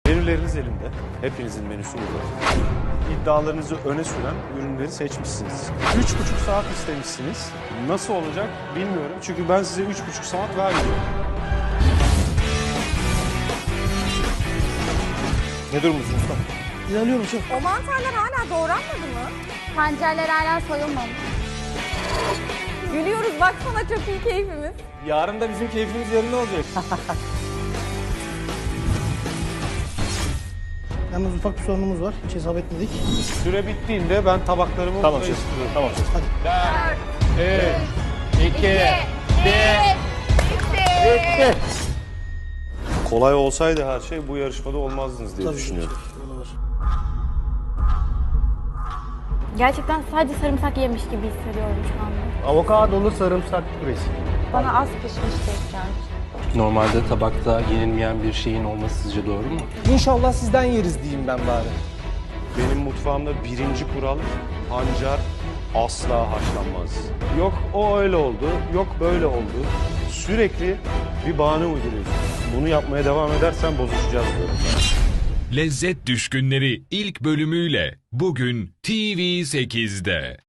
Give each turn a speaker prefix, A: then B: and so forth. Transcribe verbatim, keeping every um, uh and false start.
A: Menüleriniz elimde. Hepinizin menüsü burada. İddialarınızı öne süren ürünleri seçmişsiniz. Üç buçuk saat istemişsiniz. Nasıl olacak bilmiyorum. Çünkü ben size üç buçuk saat vermiyorum. Ne durumdasın usta?
B: İlerliyorum şef.
C: O mantarlar hala doğranmadı mı?
D: Pancarlar hala soyulmamış.
C: Gülüyoruz baksana çok iyi keyfimiz.
A: Yarın da bizim keyfimiz yerinde olacak.
B: Yalnız ufak bir sorunumuz var. Hiç hesap etmedik.
A: Süre bittiğinde ben tabaklarımı
E: Tamam
A: buraya
E: şef.
A: istiyorum.
E: Tamam şef.
A: üç, iki, bir. Bitti. Kolay olsaydı her şey bu yarışmada olmazdınız diye
B: Tabii ki
A: düşünüyorum.
B: şef, o da var.
D: Gerçekten sadece sarımsak yemiş gibi hissediyorum şu anda.
E: Avokadolu sarımsak püresi.
C: Bana az pişmiş tek gelmiş.
F: Normalde tabakta yenilmeyen bir şeyin olması sizce doğru mu?
E: İnşallah sizden yeriz diyeyim ben bari.
A: Benim mutfağımda birinci kural pancar asla haşlanmaz. Yok o öyle oldu, yok böyle oldu. Sürekli bir bahane uyduruyorsun. Bunu yapmaya devam edersen bozuşacağız diyorum.
G: Lezzet Düşkünleri ilk bölümüyle bugün T V sekizde.